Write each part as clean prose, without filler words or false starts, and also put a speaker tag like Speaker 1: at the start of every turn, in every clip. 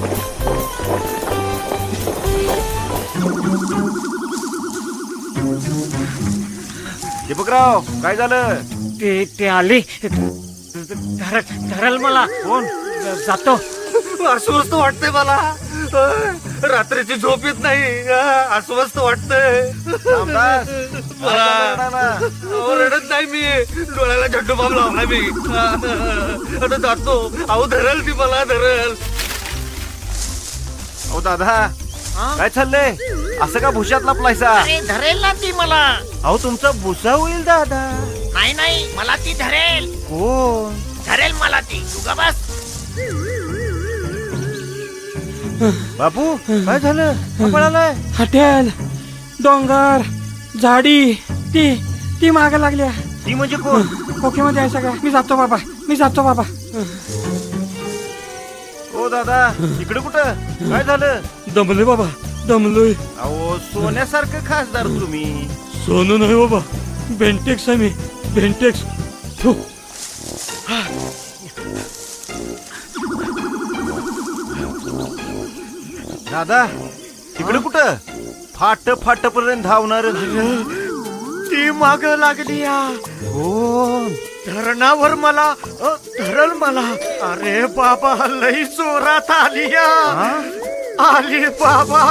Speaker 1: दीपकराव काय झालं?
Speaker 2: ते आले धरल मला.
Speaker 1: कोण?
Speaker 2: जातो.
Speaker 3: अस्वस्थ वाटतंय मला. रात्रीची झोप येत नाही. अस्वस्थ वाटतंय.
Speaker 1: रामदास,
Speaker 3: मला
Speaker 1: काय झालं?
Speaker 3: अहो, रडत नाही मी. डोळ्याला झड्डू बाब लावला मी. आता जातो. अहो धरल ती मला धरल.
Speaker 1: अहो दादा काय चाललंय? असं का भुशात लपलायसा?
Speaker 2: अरे धरेल ना ती मला.
Speaker 1: अहो तुमचा भुसा होईल दादा.
Speaker 2: नाही नाही मला ती धरेल.
Speaker 1: कोण?
Speaker 2: धरेल मला ती. तू ग बस.
Speaker 1: बापू काय झालं? का पळालाय?
Speaker 4: हॉटेल, डोंगर, झाडी ती माग लागल्या.
Speaker 1: ती म्हणजे कोण?
Speaker 4: ओके मध्ये आहे सगळं. मी जातो बाबा.
Speaker 1: ओ दादा इकडे कुठं? काय झालं?
Speaker 4: दमलोय बाबा, दमलोय.
Speaker 1: अहो सोन्यासारखं खासदार तुम्ही.
Speaker 4: सोनू नाही बाबा, बेंटेक्स आहे मी. बेंटेक्स. थू.
Speaker 1: दादा तिकडे कुठं? फाट पर्यंत धावणार.
Speaker 2: ती माग लागली.
Speaker 1: कोण?
Speaker 2: धरणावर मला धरल मला. अरे बाबा लई जोरात आली आली बाबा.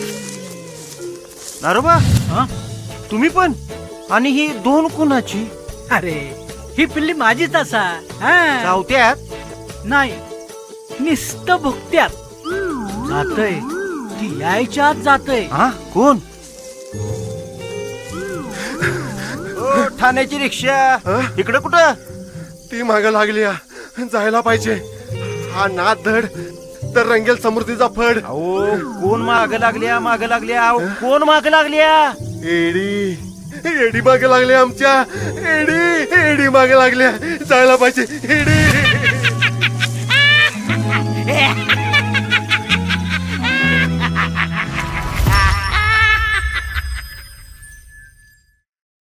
Speaker 1: नारोबा तुम्ही पण? आणि ही दोन कुणाची?
Speaker 5: अरे ही पिल्ली माझीच असा.
Speaker 1: चावत्यात?
Speaker 5: नाही निस्त भुकत्यात. जातय ती यायच्या आत जातय.
Speaker 1: हा कोण? ओ, ठाण्याची रिक्षा इकडे कुठं?
Speaker 3: ती माग लागली. जायला पाहिजे. हा नाद धड तर रंगेल समृद्धीचा फड.
Speaker 1: अहो कोण माग लागल्या? अहो कोण माग लागल्या?
Speaker 3: एडी मागे लागले आमच्या. एडी मागे लागल्या. जायला पाहिजे. एडी